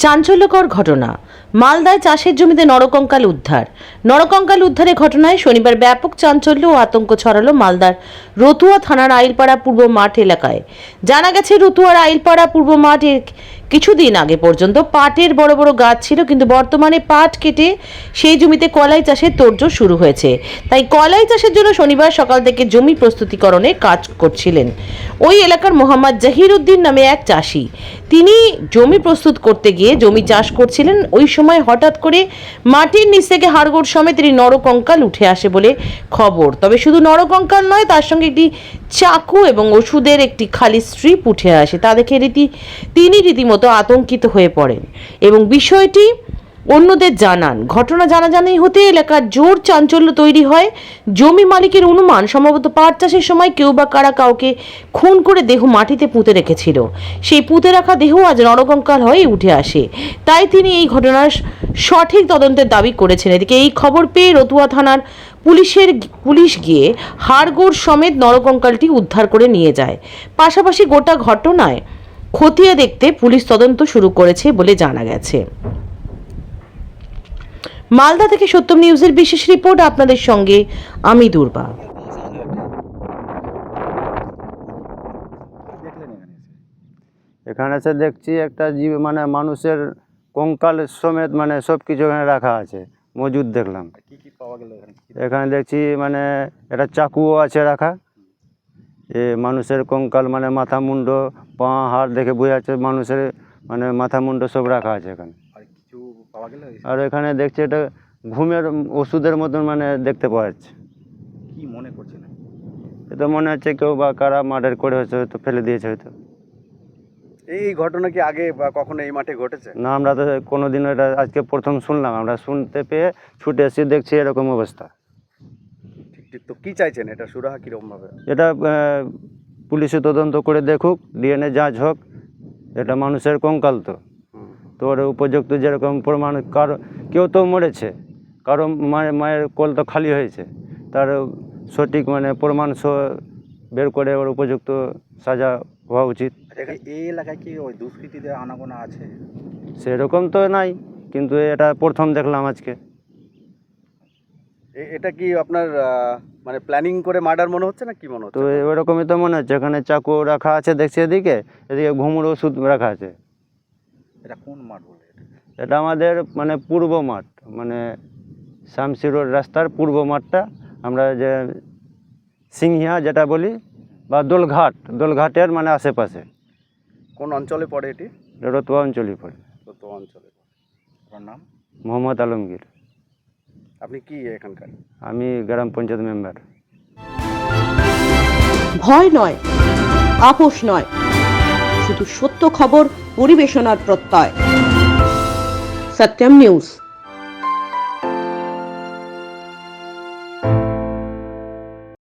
চাঞ্চল্যকর ঘটনা। মালদায় চাষের জমিতে নরকঙ্কাল উদ্ধারের ঘটনায় শনিবার ব্যাপক চাঞ্চল্য ও আতঙ্ক ছড়ালো মালদার রতুয়া থানার আইলপাড়া পূর্ব মাঠ এলাকায়। জানা গেছে, রতুয়ার আইলপাড়া পূর্ব মাঠে কিছুদিন আগে পর্যন্ত পাটের বড় বড় গাছ ছিল, কিন্তু বর্তমানে পাট কেটে সেই জমিতে কলাই চাষের তোড়জোড় শুরু হয়েছে। তাই কলাই চাষের জন্য শনিবার সকাল থেকে জমি প্রস্তুতিকরণে কাজ করছিলেন ওই এলাকার মোহাম্মদ জাহির উদ্দিন নামে এক চাষি। তিনি জমি প্রস্তুত করতে গিয়ে জমি চাষ করছিলেন। ওই সময় হঠাৎ করে মাটির নিচ থেকে হাড়গোড় সমেত নরকঙ্কাল উঠে আসে বলে খবর। তবে শুধু নরকঙ্কাল নয়, তার সঙ্গে একটি চাকু এবং ওষুধের একটি খালি স্ট্রিপ উঠে আসে। তা দেখে তিনি রীতিমতো আতঙ্কিত হয়ে পড়েন এবং বিষয়টি অন্যদের জানান। ঘটনা জানাজানি হতে এলাকার জোর চাঞ্চল্য তৈরি হয়। জমি মালিকের অনুমান, সম্ভবত পাট চাষের সময় কেউ বা কারা কাউকে খুন করে দেহ মাটিতে পুঁতে রেখেছিল। সেই পুঁতে রাখা দেহ আজ নরকঙ্কাল হয়ে উঠে আসে। তাই তিনি এই ঘটনার সঠিক তদন্তের দাবি করেছেন। এদিকে এই খবর পেয়ে রতুয়া থানার পুলিশ গিয়ে হাড়গোড় সমেত নরকঙ্কালটি উদ্ধার করে নিয়ে যায়। পাশাপাশি গোটা ঘটনায় খতিয়ে দেখতে পুলিশ তদন্ত শুরু করেছে বলে জানা গেছে। মালদা থেকে সত্যম নিউজের বিশেষ রিপোর্ট, আপনাদের সঙ্গে আমি দুর্বা। এখানে এসে দেখছি একটা জীব মানে মানুষের কঙ্কাল সমেত মানে সব কিছু এখানে রাখা আছে, মজুদ দেখলাম। কি কি পাওয়া গেল এখানে দেখছি মানে একটা চাকুও আছে রাখা। মানুষের কঙ্কাল মানে মাথা মুন্ড পা হাড় দেখে বোঝা যাচ্ছে মানুষের মানে মাথা মুন্ড সব রাখা আছে এখানে। আর কিছু পাওয়া গেল? আর এখানে দেখছি এটা ঘুমের ওষুধের মতন মানে দেখতে পাওয়া যাচ্ছে। কি মনে করছেন? এটা মনে হচ্ছে কেউ বা কারা মার্ডার করে হয়তো ফেলে দিয়েছে হয়তো। এই ঘটনা কি আগে বা কখনো এই মাঠে ঘটেছে? না, আমরা তো কোনোদিনও এটা আজকে প্রথম শুনলাম। আমরা শুনতে পেয়ে ছুটে এসে দেখছি এরকম অবস্থা। ঠিক। তো কি চাইছেন, এটা সুরাহা কিরকম ভাবে? এটা পুলিশে তদন্ত করে দেখুক, ডিএনএ যাঁচ হোক। এটা মানুষের কঙ্কাল তো ওর উপযুক্ত যেরকম প্রমাণ, কেউ তো মরেছে, কারো মায়ের কোল তো খালি হয়েছে, তার সঠিক মানে প্রমাণ বের করে ওর উপযুক্ত সাজা হওয়া উচিত। এই এলাকায় কি ওই দুষ্কৃতীদের আনাগোনা আছে? সেরকম তো নাই, কিন্তু এটা প্রথম দেখলাম আজকে। এটা কি আপনার মানে প্ল্যানিং করে মার্ডার মনে হচ্ছে না কি মনে হচ্ছে? তো ওরকমই তো মনে হচ্ছে। এখানে চাকু রাখা আছে দেখছি, এদিকে ঘুমুর ওষুধ রাখা আছে। এটা কোন মাঠ বলে? এটা আমাদের মানে পূর্ব মাঠ, মানে শামসি রোড রাস্তার পূর্ব মাঠটা, আমরা যে সিংহিয়া যেটা বলি বা দোলঘাটের মানে আশেপাশে। কোন অঞ্চলে পড়ে এটি? রতুয়া অঞ্চলই পড়ে। রতুয়া অঞ্চলে। আপনার নাম? মোহাম্মদ আলমগীর। আপনি কি এখানকার? আমি গ্রাম পঞ্চায়েত মেম্বার। ভয় নয়, আপোষ নয়, শুধু সত্য খবর পরিবেশনার প্রত্যয়। সত্যম নিউজ।